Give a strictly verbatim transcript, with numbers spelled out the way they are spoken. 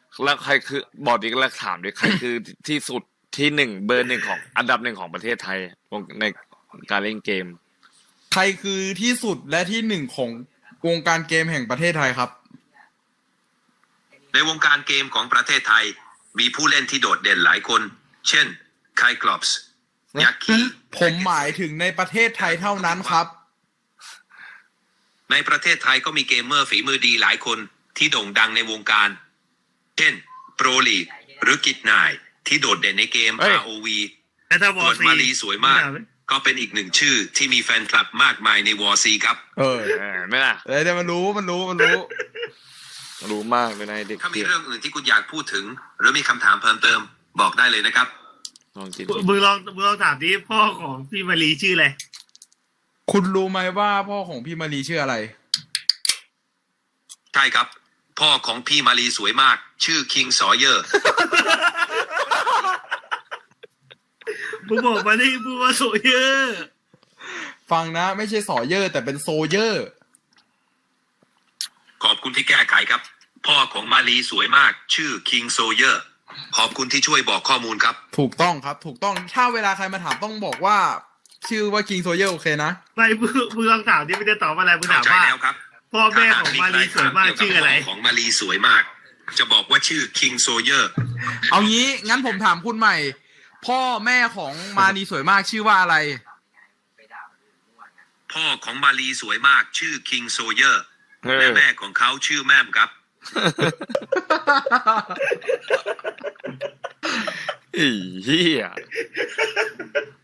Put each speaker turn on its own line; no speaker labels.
แล้วใครคือบอกอีกแล้วถามดิใครคือที่สุดที่หนึ่งเบอร์หนึ่งของอันดับหนึ่งของประเทศไทยในการเล่นเกม
ใครคือที่สุดและที่หนึ่งของวงการเกมแห่งประเทศไทยครับ
ในวงการเกมของประเทศไทยมีผู้เล่นที่โดดเด่นหลายคน เช่นไคกลอปส์ยักษ์คี
ผมหมายถึงในประเทศไทยเท่านั้นครับ
ในประเทศไทยก็มีเกมเมอร์ฝีมือดีหลายคนที่โด่งดังในวงการ เช่นโปรลีกหรือกิจนายที่โดดเด่นในเกม
เฮ้ย
อาร์ โอ วี
แต่ถ้าวอ
ส่วน
ซี
มาลีสวยมาก ก็เป็นอีกหนึ่งชื่อที่มีแฟนคลับมากมายในวอร์ซีครับ
เออ
เออไม่ล่ะ
เดี๋ยวมันรู้มันรู้มันรู้
รู้มากเลยนะเด็ก
ถ้ามี
เกม
เรื่องอื่นที่คุณอยากพูดถึง หรือมีคำถามเพิ่มเติมบอกได้เลยนะครับ
ลองคิด
มึงลองมึงลองถามดิพ่อของพี่มารีชื่ออะไร
คุณรู้ไหมว่าพ่อของพี่มารีชื่ออะไร
ใช่ครับ พ่อของพี่มาลีสวยมาก ชื่อคิงซอเยอร์
มึงบอกมาดิมึงว่าโซเยอร์
ฟังนะไม่ใช่สอเยอร์ แต่เป็นโซเยอร์
ขอบคุณที่แก้ไขครับ พ่อของมาลีสวยมาก ชื่อคิงโซเยอร์ ขอบคุณที่ช่วยบอกข้อมูลครับ
ถูกต้องครับ ถูกต้องถ้าเวลาใครมาถามต้องบอกว่า ชื่อว่าคิงโซเยอร์โอเคนะ
ไม่มึงมึงลองถามดิไม่ได้ตอบอะไรมึง
เข้า
ถาม
ใจ
ว่า
แล้วครับ
พ่อแม่ของมารีสวยมากชื่ออะไร
ของมาลีสวยมาก จะบอกว่าชื่อคิงโซเยอร์
เอางี้งั้นผมถามคุณใหม่ พ่อแม่ของมารีสวยมากชื่อว่าอะไร
พ่อของมาลีสวยมากชื่อคิงโซเยอร์
เออ
และแม่ของเขาชื่อแม่มครับ
ไอ้เหี้ย